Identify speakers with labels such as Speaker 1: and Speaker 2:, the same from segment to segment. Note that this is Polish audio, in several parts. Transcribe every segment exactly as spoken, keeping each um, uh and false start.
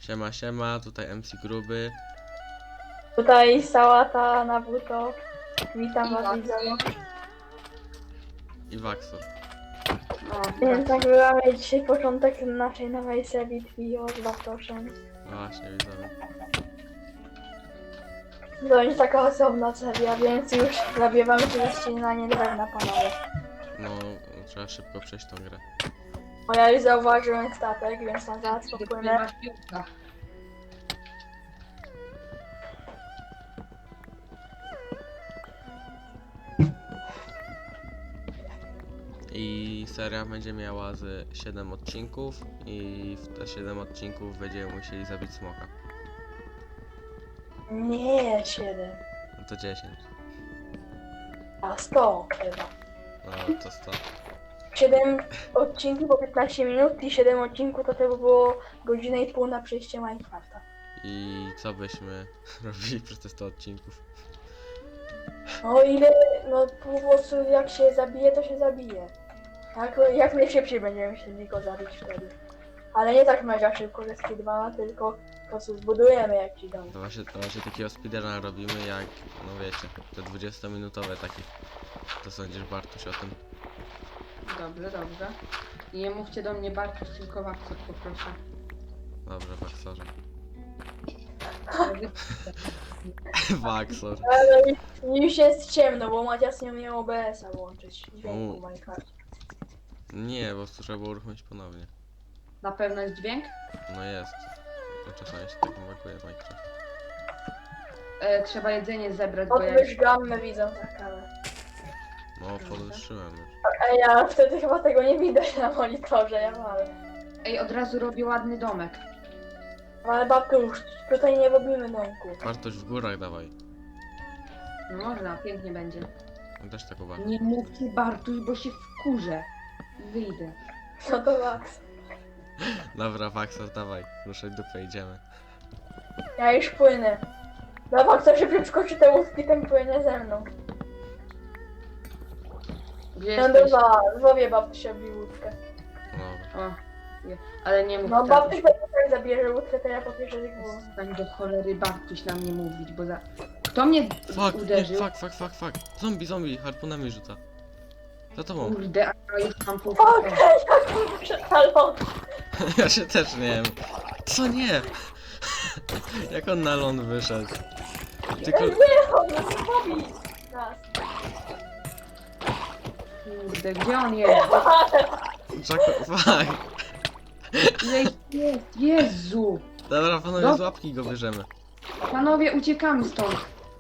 Speaker 1: Siema, siema, tutaj M C Gruby.
Speaker 2: Tutaj sałata na buto. Witam
Speaker 3: I
Speaker 2: was
Speaker 3: Waxy.
Speaker 2: widzowie.
Speaker 1: I Waxor.
Speaker 3: No,
Speaker 2: Więc nagrywamy dzisiaj początek naszej nowej serii Trio z Bartoszem.
Speaker 1: No właśnie, widzowie.
Speaker 2: To będzie taka osobna seria, więc już zabiewamy się ze ścinania drewna, panowie.
Speaker 1: No, trzeba szybko przejść tą grę.
Speaker 2: Bo ja już zauważyłem statek, więc na zaraz popłynę.
Speaker 3: masz piłka.
Speaker 1: I seria będzie miała z siedem odcinków i w te siedem odcinków będziemy musieli zabić smoka.
Speaker 2: Nie, siedem.
Speaker 1: No to dziesięć.
Speaker 2: A sto chyba.
Speaker 1: No to sto.
Speaker 2: siedem odcinków po piętnaście minut i siedem odcinków to to by było godzinę i pół na przejście Minecrafta.
Speaker 1: I co byśmy robili przez te sto odcinków?
Speaker 2: No ile, no po prostu jak się zabije, to się zabije. Tak, jak najszybciej będziemy chcieli go zabić wtedy. Ale nie tak mega szybko, że speedruna, tylko po prostu zbudujemy jakiś dom.
Speaker 1: To właśnie, to właśnie takiego speedruna robimy jak, no wiecie, te dwudziestominutowe takie. To sądzisz, Bartuś, o tym?
Speaker 3: Dobrze, dobrze. I nie mówcie do mnie Bartuś, tylko Waxor poproszę.
Speaker 1: Dobrze, Waxorze. Waxor.
Speaker 2: Ale już jest ciemno, bo Macias nie umiał O B S-a włączyć dźwięku
Speaker 1: U.
Speaker 2: w Minecraft.
Speaker 1: Nie, bo trzeba było uruchomić ponownie.
Speaker 3: Na pewno jest dźwięk?
Speaker 1: No jest. To czasami się tak brakuje w Minecraft.
Speaker 3: E, trzeba jedzenie zebrać, bo ja
Speaker 2: Podwyż gammę widzą tak ale.
Speaker 1: No, podwyższyłem już.
Speaker 2: A ja wtedy chyba tego nie widać na monitorze, ja mam.
Speaker 3: Ej, od razu robię ładny domek.
Speaker 2: Ale babku już tutaj nie robimy domku.
Speaker 1: Bartoś w górach dawaj.
Speaker 3: No można, pięknie będzie.
Speaker 1: On też tak uważa.
Speaker 3: Nie mówcie Bartuś, bo się wkurzę. Wyjdę.
Speaker 2: No to Max.
Speaker 1: Dobra, Waxor, dawaj. Ruszaj dupę, idziemy.
Speaker 2: Ja już płynę. Dobra, kto się przeskoczy te łódki, ten płynie ze mną.
Speaker 3: Gdzie
Speaker 2: No
Speaker 3: jesteś?
Speaker 2: dobra, złowię babci obi łódkę.
Speaker 1: No,
Speaker 3: O, nie. Ale nie mów
Speaker 2: No
Speaker 3: tak.
Speaker 2: babci tak zabierze łódkę, to ja popieszę tych było.
Speaker 3: Stań do cholery Bartuś na mnie mówić, bo za... Kto mnie
Speaker 1: fuck, nie,
Speaker 3: uderzył?
Speaker 1: fuck, fuck, fuck, fuck. Zombie, zombie, harpunami rzuca. Za tobą.
Speaker 3: Kurde, a ja już mam pół...
Speaker 2: Fuck, jak mi przetalą.
Speaker 1: Ja się też nie wiem. Co nie? Jak on na ląd wyszedł? Tylko...
Speaker 2: Nie, on nas pobi. Nas.
Speaker 3: Kurde, gdzie on jest?
Speaker 1: Jacko... Fuck.
Speaker 3: Ile ich jest? Jezu!
Speaker 1: Dobra, panowie,
Speaker 3: No.
Speaker 1: z łapki go bierzemy.
Speaker 3: Panowie, uciekamy stąd.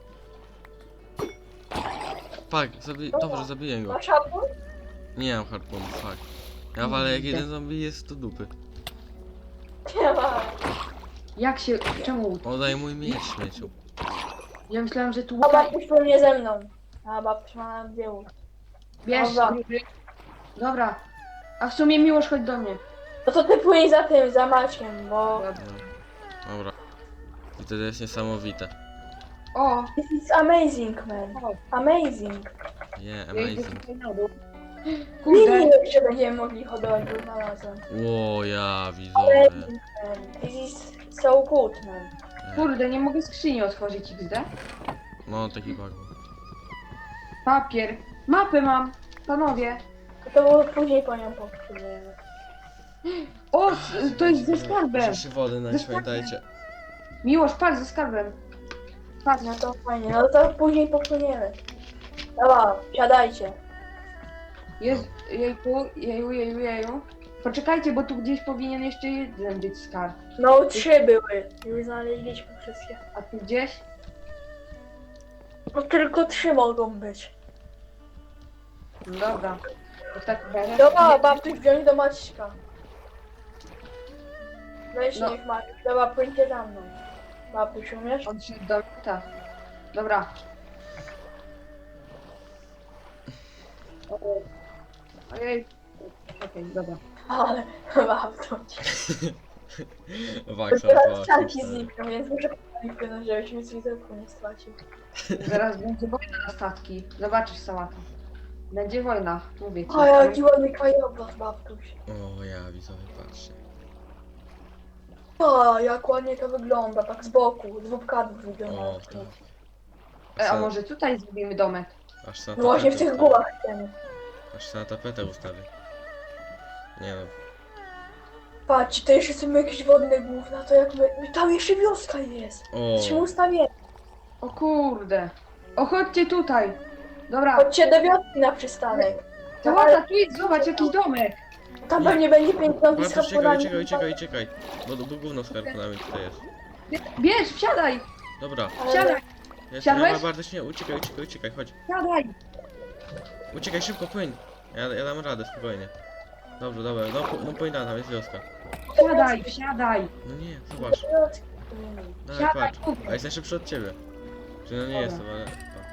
Speaker 1: Fuck, zabi... dobrze, zabiję go.
Speaker 2: Masz harpun?
Speaker 1: Nie mam harpunu, fuck. Ja walę jak jeden zombie jest do dupy.
Speaker 2: Nie ma.
Speaker 3: Jak się... Czemu?
Speaker 1: Oddaj mój miecz, śmieciu.
Speaker 3: Ja myślałem, że tu
Speaker 2: A
Speaker 3: łuka...
Speaker 2: babci płynie ze mną. A babci ma na dwie łódki.
Speaker 3: Wiesz,
Speaker 2: Dobra.
Speaker 3: Dobra. A w sumie Miłosz, chodź do mnie.
Speaker 2: No to ty płyń za tym, za Maćkiem, bo...
Speaker 1: No. Dobra. I to jest niesamowite.
Speaker 3: O!
Speaker 2: This is amazing, man. Amazing.
Speaker 1: Yeah,
Speaker 3: Ja idę
Speaker 1: amazing.
Speaker 3: tutaj na dół.
Speaker 2: Nie
Speaker 3: Kurde,
Speaker 2: wiem, czy będziemy mogli hodować, bo znalazłem.
Speaker 1: Ło, ja, widzowie.
Speaker 2: Amazing, man. This is so good, man.
Speaker 1: Nie.
Speaker 3: kurde, nie mogę skrzyni otworzyć X D.
Speaker 1: No, taki bug.
Speaker 3: Papier. Mapę mam. Panowie.
Speaker 2: To, to było później po nią popłyniemy.
Speaker 3: O, s- to jest ze skarbem.
Speaker 1: Rzeszy wody, no
Speaker 3: Ze
Speaker 1: pamiętajcie.
Speaker 3: Miłosz, patrz, ze skarbem. Patrz.
Speaker 2: No to fajnie, no to później popłyniemy. Dobra, siadajcie.
Speaker 3: Jest, jejku, jeju, jeju, jeju. Poczekajcie, bo tu gdzieś powinien jeszcze jeden być skarb.
Speaker 2: No trzy były. Już znaleźliśmy wszystkie.
Speaker 3: A tu gdzieś?
Speaker 2: No tylko trzy mogą być.
Speaker 3: No dobra. To tak będzie.
Speaker 2: Dobra, babci wziąć do Maćka. Weź
Speaker 3: No.
Speaker 2: niech Maciek. Dobra, płyńcie za mną. Babci, umiesz?
Speaker 3: On się do... Tak. Dobra. O- Ojej. Okej, dobra.
Speaker 2: Ale babci.
Speaker 1: Waksa,
Speaker 2: Teraz czarki znikną, więc muszę płynąć, żebyś mi z widoku nie stracił.
Speaker 3: Zaraz będzie wojna na statki. Zobaczysz, sałata. Będzie wojna, mówię ci.
Speaker 2: O, jaki ładny krajobraz, babtuś.
Speaker 1: O, ja, widzowie, patrzcie.
Speaker 2: O, jak ładnie to wygląda, tak z boku, z kadrów wygląda.
Speaker 1: O,
Speaker 3: E, a może tutaj zrobimy domek?
Speaker 1: Aż na
Speaker 2: No właśnie w
Speaker 1: tapetę
Speaker 2: tych
Speaker 1: ustawię.
Speaker 2: górach chcemy.
Speaker 1: Aż na tapetę ustawię. Nie no.
Speaker 2: Patrz, to jeszcze są jakieś wodne gówna, to jak my... Tam jeszcze wioska jest.
Speaker 1: O,
Speaker 2: Jesteśmy ustawieni.
Speaker 3: O kurde. O, chodźcie tutaj. Dobra,
Speaker 2: Chodźcie do wioski na przystanek.
Speaker 3: to łata, tu jest, zobacz, jakiś domek.
Speaker 2: Tam pewnie będzie piękna
Speaker 1: Bartosz,
Speaker 2: bliska
Speaker 1: czekaj, czekaj, czekaj, czekaj. Bo, bo gówno z harpunami tutaj jest.
Speaker 3: Bierz, wsiadaj,
Speaker 1: Dobra,
Speaker 3: wsiadaj,
Speaker 1: jest,
Speaker 3: Siadłeś?
Speaker 1: nie ma Bartosz, nie, uciekaj, uciekaj, uciekaj, chodź.
Speaker 3: wsiadaj.
Speaker 1: Uciekaj szybko, płyń. Ja, ja dam radę, spokojnie. Dobrze, dobra, no, po- no płyń tam, jest wioska.
Speaker 3: Wsiadaj, wsiadaj.
Speaker 1: No nie, zobacz. Dawaj,
Speaker 3: Siadaj,
Speaker 1: patrz.
Speaker 3: tutaj.
Speaker 1: A jest najszybszy od ciebie. Czy no nie
Speaker 3: Dobra.
Speaker 1: jestem, ale...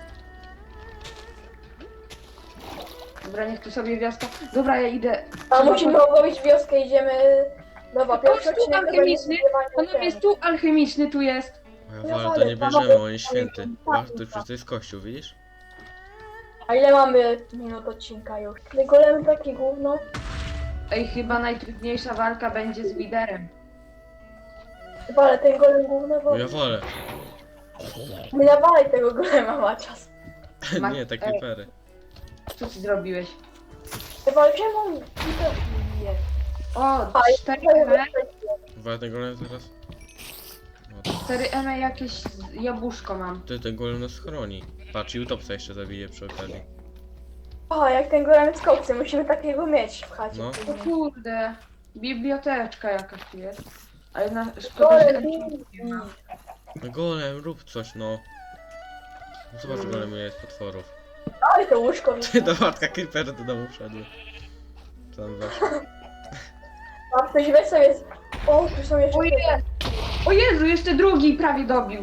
Speaker 3: Dobra, niech tu sobie wioska. Dobra, ja idę.
Speaker 2: A musimy obrobić wioskę, idziemy... Dobra, pierwszy
Speaker 3: Chodź tu,
Speaker 2: odcinek to będzie
Speaker 3: alchemiczny.
Speaker 2: zbiewanie
Speaker 3: Panowie, jest
Speaker 2: ten.
Speaker 3: tu alchemiczny, tu jest.
Speaker 1: O ja walę, to nie bierzemy, on jest święty. Zobacz, to przecież to jest kościół, widzisz?
Speaker 2: A ile mamy minut odcinka już? My golemy takie gówno.
Speaker 3: Ej, chyba najtrudniejsza walka będzie z liderem.
Speaker 2: Chyba, ale ten golem gówno, bo...
Speaker 1: O ja walę.
Speaker 2: Nie nawalaj tego golema, Macias.
Speaker 3: Ma-
Speaker 1: Nie, te
Speaker 3: Ej.
Speaker 1: creepery.
Speaker 3: Co ty zrobiłeś?
Speaker 2: Chyba, czemu on Peter nie bije?
Speaker 3: O,
Speaker 2: A,
Speaker 3: cztery
Speaker 2: ja
Speaker 3: M,
Speaker 1: Walę ten golem zaraz. No,
Speaker 3: cztery M jakieś z- jabłuszko mam.
Speaker 1: ty, ten golem nas chroni. Patrz, i utopca jeszcze zabije przy okazji.
Speaker 2: O, jak ten golem z koksy, musimy takiego mieć w chacie.
Speaker 1: No.
Speaker 3: O kurde, biblioteczka jakaś tu jest. Ale na, szkoda, że
Speaker 2: Golem,
Speaker 3: nie ma.
Speaker 1: No golem, rób coś, no. No Zobacz,
Speaker 3: Mm.
Speaker 1: golem ile jest potworów.
Speaker 2: ale to łóżko
Speaker 1: Ty,
Speaker 2: widzę.
Speaker 1: do matka creepery do domu wszedły. Tam weszło.
Speaker 2: A ktoś weź sobie... O, tu są jeszcze...
Speaker 3: O je- O Jezu, jeszcze drugi prawie dobił.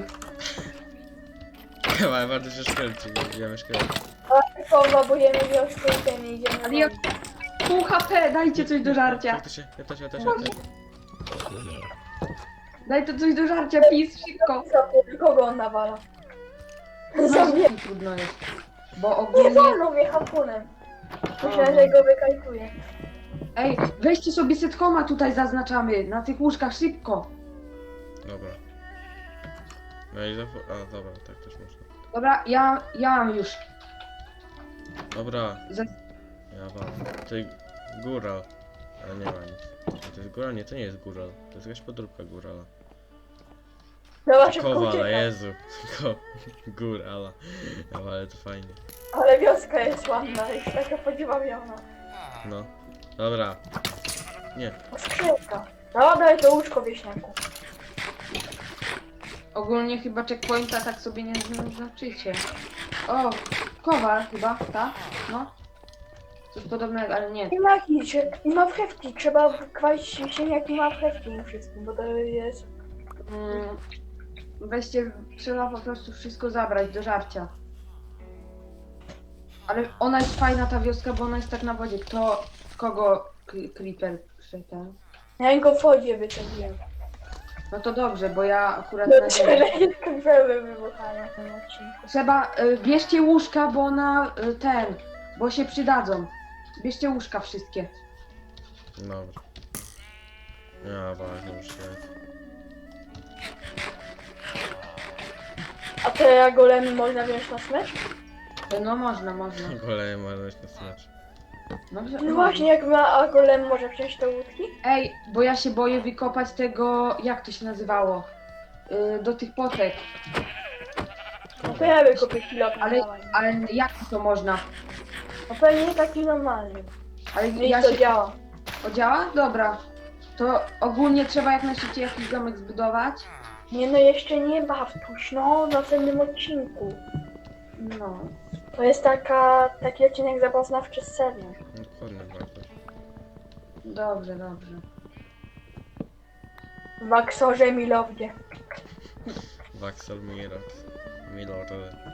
Speaker 1: Ale bardzo się szkelci, wiemy szkelci.
Speaker 2: Tylko bujemy wioskę i ten idziemy.
Speaker 3: Ale ja... Pół H P, dajcie coś do żarcia.
Speaker 1: Jak to się, ja też, ja też, ja też.
Speaker 3: Daj to coś do żarcia, pis, szybko.
Speaker 2: Kogo on nawala? Za
Speaker 3: Za
Speaker 2: mnie.
Speaker 3: mnie trudno jest. Bo
Speaker 2: Nie
Speaker 3: ogólnie...
Speaker 2: wolno mnie harpunem. Myślałem, że go wykajtuję.
Speaker 3: Ej, weźcie sobie setkoma tutaj zaznaczamy, na tych łóżkach, szybko.
Speaker 1: Dobra. No i zapo... A, dobra, tak też można.
Speaker 3: Dobra, ja, ja mam już.
Speaker 1: Dobra,
Speaker 3: Za...
Speaker 1: ja wam. To jest góral. Ale nie ma nic. A to jest góral? Nie, to nie jest góral. To jest jakaś podróbka górala.
Speaker 2: Dobra, szybko
Speaker 1: Kowala,
Speaker 2: uciekaj.
Speaker 1: Jezu. Ko... Górala. Ja, ale to fajnie.
Speaker 2: Ale wioska jest ładna, jest taka podziwawiona.
Speaker 1: No. Dobra. Nie.
Speaker 2: O, skrzynka. Dobra, daj to łóżko wieśniaku.
Speaker 3: Ogólnie chyba checkpointa tak sobie nie zaznaczycie. O, kowal chyba, tak? No. Coś podobnego, ale nie.
Speaker 2: I marchewki, i marchewki. Trzeba kwalić ziemniaki i marchewki im wszystkim, bo to jest...
Speaker 3: Mm, weźcie, trzeba po prostu wszystko zabrać do żarcia. Ale ona jest fajna ta wioska, bo ona jest tak na wodzie. Kto, kogo Cre- Creeper ten?
Speaker 2: Ja go w wodzie wysadziłem.
Speaker 3: No to dobrze, bo ja akurat
Speaker 2: No
Speaker 3: na
Speaker 2: trzeba
Speaker 3: ziemi.
Speaker 2: jakieś krwawe wybuchania w tym odcinku.
Speaker 3: Trzeba, y, bierzcie łóżka, bo na y, ten, bo się przydadzą. Bierzcie łóżka wszystkie.
Speaker 1: Dobra. Ja ważne już jest.
Speaker 2: A te golemy można wziąć na smycz?
Speaker 3: Y, No można, można.
Speaker 1: Golej ma dojść na smacz.
Speaker 3: No,
Speaker 2: No właśnie, jak ma, a golem może wziąć te łódki?
Speaker 3: Ej, bo ja się boję wykopać tego, jak to się nazywało? Y, do tych potek.
Speaker 2: No to ja wykopię kilofem.
Speaker 3: Ale,
Speaker 2: dawaj.
Speaker 3: ale jak to można?
Speaker 2: No pewnie taki normalny.
Speaker 3: Ale
Speaker 2: No i
Speaker 3: ja
Speaker 2: to
Speaker 3: się...
Speaker 2: działa.
Speaker 3: O, działa? Dobra. To ogólnie trzeba jak najszybciej jakiś domek zbudować.
Speaker 2: Nie no, jeszcze nie Bartuś, no w następnym odcinku.
Speaker 3: No.
Speaker 2: To jest taka, taki odcinek zapoznawczy z serią.
Speaker 1: Dokładnie, bardzo.
Speaker 3: Dobrze, dobrze.
Speaker 2: W Aksorze Milowdzie.
Speaker 1: Vaxel Mirox. Milord.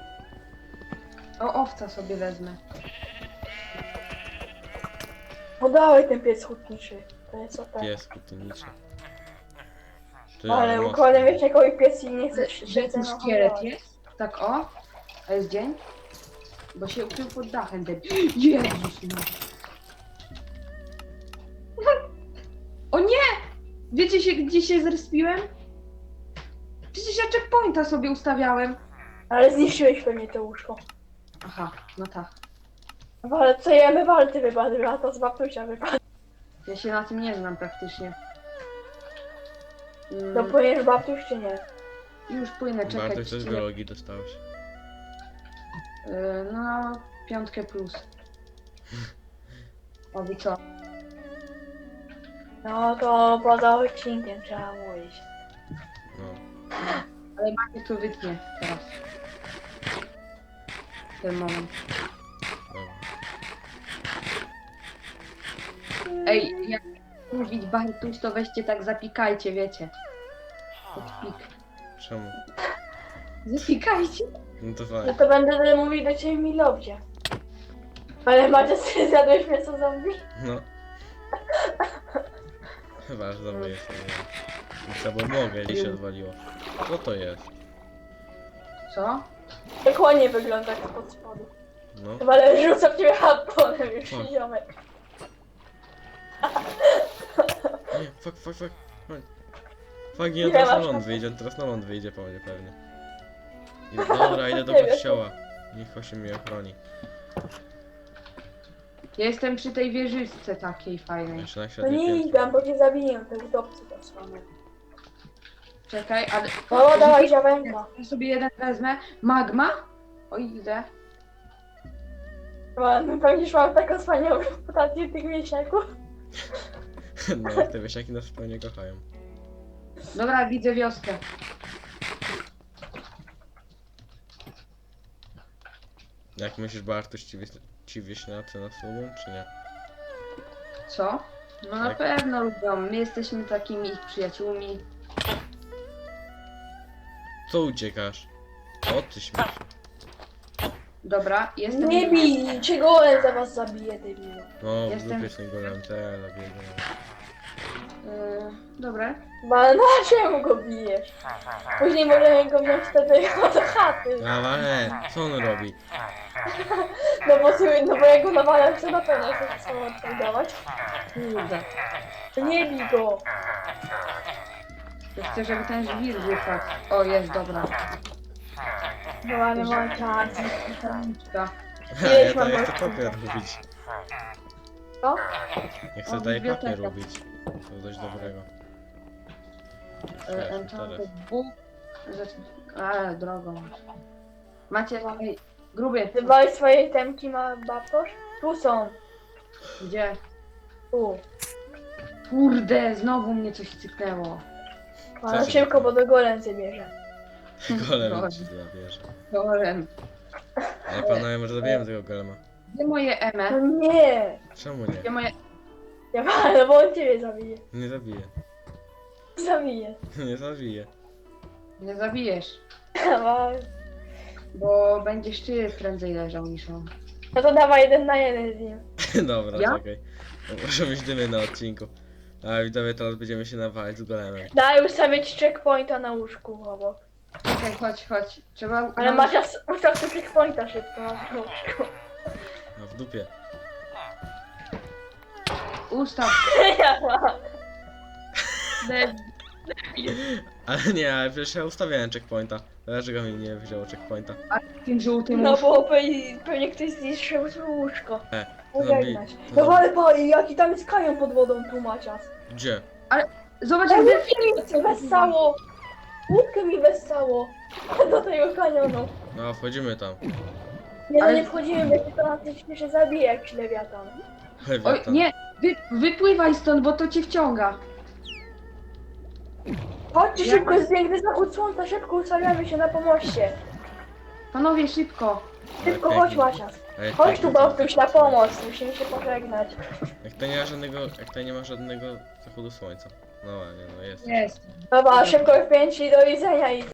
Speaker 3: O, owca sobie wezmę.
Speaker 2: No dawaj ten pies hutniczy. To jest o tak.
Speaker 1: Pies kutyniczy. Ty,
Speaker 2: No, ale
Speaker 1: mocno.
Speaker 2: układam wiesz jakoś pies i nie chce
Speaker 3: Że tu szkielet jest? Tak o? A jest dzień? Bo się ukrył pod dachem ten. Jezus no. O nie! Wiecie się, gdzie się zrespiłem? Przecież ja checkpointa sobie ustawiałem.
Speaker 2: Ale zniszczyłeś pewnie to łóżko.
Speaker 3: Aha, no tak.
Speaker 2: No ale co jemy walty wypadły, a to z babtusia wypadły.
Speaker 3: Ja się na tym nie znam praktycznie. Mm,
Speaker 2: To płyniesz babtuś czy nie?
Speaker 3: już płynę, czekaj.
Speaker 1: Bartoś też z
Speaker 3: czy-
Speaker 1: biologii dostałeś.
Speaker 3: Yy, no, piątkę plus. A wy co?
Speaker 2: No to poza odcinkiem trzeba mówić.
Speaker 1: No.
Speaker 3: Ale Maciek to wytnie teraz. Ten moment.
Speaker 1: Dobra.
Speaker 3: Ej, jak mówić Bartuś, to weźcie tak zapikajcie, wiecie. Pod pik.
Speaker 1: Czemu?
Speaker 3: Zapikajcie.
Speaker 1: No to
Speaker 2: No
Speaker 1: fajnie.
Speaker 2: to będę mówić do ciebie milowdzie. Ale Macie, ty zjadłeś mięso zombie?
Speaker 1: No. Chyba, że dobry jest. No co, bo mogę, i się odwaliło. Co to jest?
Speaker 3: Co?
Speaker 2: Jak ładnie wygląda spod spodu.
Speaker 1: No.
Speaker 2: Chyba ale rzucam w ciebie harponem już,
Speaker 1: Fuck.
Speaker 2: ziomek.
Speaker 1: Nie, fuck, fuck, fuck. Fuck, fuck nie,
Speaker 2: Ile
Speaker 1: teraz na
Speaker 2: masz
Speaker 1: ląd
Speaker 2: na-
Speaker 1: wyjdzie, teraz na ląd wyjdzie po mnie pewnie. Idę, dobra, idę do
Speaker 2: Nie wiem.
Speaker 1: kościoła. Niech się mnie ochroni.
Speaker 3: Ja jestem przy tej wieżyczce takiej fajnej.
Speaker 1: Jeszcze na
Speaker 2: No
Speaker 1: światło
Speaker 2: nie
Speaker 1: piętro.
Speaker 2: idę, bo cię zabiję, te wdowcy to słone.
Speaker 3: Czekaj, ale...
Speaker 2: O, dawaj ziawenka.
Speaker 3: Ja sobie jeden wezmę. Magma? O ile?
Speaker 2: Chyba, no pewnie już mam taką wspaniałą reputację tych wieśniaków.
Speaker 1: No, te wiesiaki nas zupełnie kochają.
Speaker 3: Dobra, widzę wioskę.
Speaker 1: Jak myślisz, Bartuś, ci, wieś- ci wieśniacy nas lubią, czy nie?
Speaker 3: Co? No na
Speaker 1: Tak.
Speaker 3: pewno lubią. My jesteśmy takimi ich przyjaciółmi.
Speaker 1: Co uciekasz? O, ty śmieci.
Speaker 3: Dobra, jestem...
Speaker 2: Nie bij, cię golem za was zabije, debilu.
Speaker 1: No, w
Speaker 3: Jestem-
Speaker 1: dupie z tym golem, te, zabiję go.
Speaker 3: Yy, dobra.
Speaker 2: No ale na czemu go bijesz? Później możemy go wziąć wtedy do chaty.
Speaker 1: No, ale, co on robi?
Speaker 2: No bo, ty- no bo ja go nawalam, to na pewno chcesz samo oddawać.
Speaker 3: Kurde.
Speaker 2: To nie bij go.
Speaker 3: Ja chcę, żeby ten żwir wypadł. O, jest, dobra.
Speaker 2: No ale mam czas.
Speaker 3: Tabliczka.
Speaker 1: Ha,
Speaker 2: Ileś
Speaker 1: ja, to,
Speaker 2: mam
Speaker 1: ja chcę
Speaker 2: gości?
Speaker 1: papier robić.
Speaker 2: Co?
Speaker 1: Ja
Speaker 3: O,
Speaker 1: chcę tutaj
Speaker 3: biblioteka.
Speaker 1: papier robić. To dość dobrego.
Speaker 3: Yy,
Speaker 1: Wiesz,
Speaker 3: Enchanted
Speaker 1: teraz.
Speaker 3: Book. Zacz- Ale drogą. Macie... Ej, gruby.
Speaker 2: Ty bałeś swojej temki, ma babtosz? Tu są.
Speaker 3: Gdzie?
Speaker 2: Tu.
Speaker 3: Kurde, znowu mnie coś cyknęło.
Speaker 2: Ale
Speaker 1: się
Speaker 2: szybko,
Speaker 1: dzieje?
Speaker 2: bo do golem zabierze.
Speaker 1: Golem
Speaker 3: Golem.
Speaker 1: ci zabierze.
Speaker 3: Golem.
Speaker 1: Ej, panowie, może zabijemy tego golema.
Speaker 3: Gdzie moje
Speaker 2: No
Speaker 3: eme?
Speaker 2: nie.
Speaker 1: Czemu
Speaker 3: Gdzie
Speaker 1: nie?
Speaker 3: moje...
Speaker 2: Ja ale bo on ciebie zabije.
Speaker 1: Nie zabiję.
Speaker 2: Zabije.
Speaker 1: Nie zabiję.
Speaker 3: Nie zabijesz.
Speaker 2: No
Speaker 3: Bo będziesz ty prędzej leżał niż on.
Speaker 2: no to dawaj jeden na jeden z nim.
Speaker 1: Dobra,
Speaker 3: Ja?
Speaker 1: czekaj. To może być dymy na odcinku. A widzowie, teraz będziemy się nawalać z golemem.
Speaker 2: Daj ustawić checkpointa na łóżku obok.
Speaker 3: Czekaj, chodź, chodź. Trzeba...
Speaker 2: Ale
Speaker 3: no,
Speaker 2: masz ustaw sobie checkpointa szybko na łóżku.
Speaker 1: A w dupie.
Speaker 3: Ustaw.
Speaker 2: Ja mam.
Speaker 1: Ale nie, ale przecież ja ustawiałem checkpointa. Dlaczego mi nie wzięło checkpointa?
Speaker 3: Tym żółtym
Speaker 2: No
Speaker 3: łóżku.
Speaker 2: bo pewnie, pewnie ktoś zniszczył swoje łóżko.
Speaker 1: E,
Speaker 2: Pożegnać.
Speaker 1: zombie-
Speaker 2: No ale pa, jaki tam jest kanion pod wodą tu Macias.
Speaker 1: Gdzie?
Speaker 3: Zobacz,
Speaker 2: Ale
Speaker 3: jak
Speaker 2: łódkę mi wessało. Łódkę mi wessało. Do tego kanionu.
Speaker 1: No, wchodzimy tam.
Speaker 2: Nie, no
Speaker 3: Ale-
Speaker 2: nie wchodzimy, bo się to nas śmieszy zabije jak lewiatan.
Speaker 3: Oj,
Speaker 1: Lewiatan.
Speaker 3: nie! Wy, wypływaj stąd, bo to cię wciąga.
Speaker 2: Chodźcie
Speaker 3: Ja-
Speaker 2: szybko, jest piękny zachód słońca, szybko ustawiamy się na pomoście.
Speaker 3: Panowie, szybko.
Speaker 2: Szybko,
Speaker 1: Ale
Speaker 2: chodź
Speaker 1: piękny.
Speaker 2: Macias.
Speaker 1: Ale
Speaker 2: Chodź
Speaker 1: piękny
Speaker 2: tu
Speaker 1: zachód
Speaker 2: Bałtyś na
Speaker 1: słońca.
Speaker 2: pomoc, musimy się pożegnać.
Speaker 1: Jak to nie ma żadnego, jak to nie ma żadnego zachodu słońca. No ładnie, no jest.
Speaker 3: Jest.
Speaker 2: Dobra, szybko w pięć i do widzenia i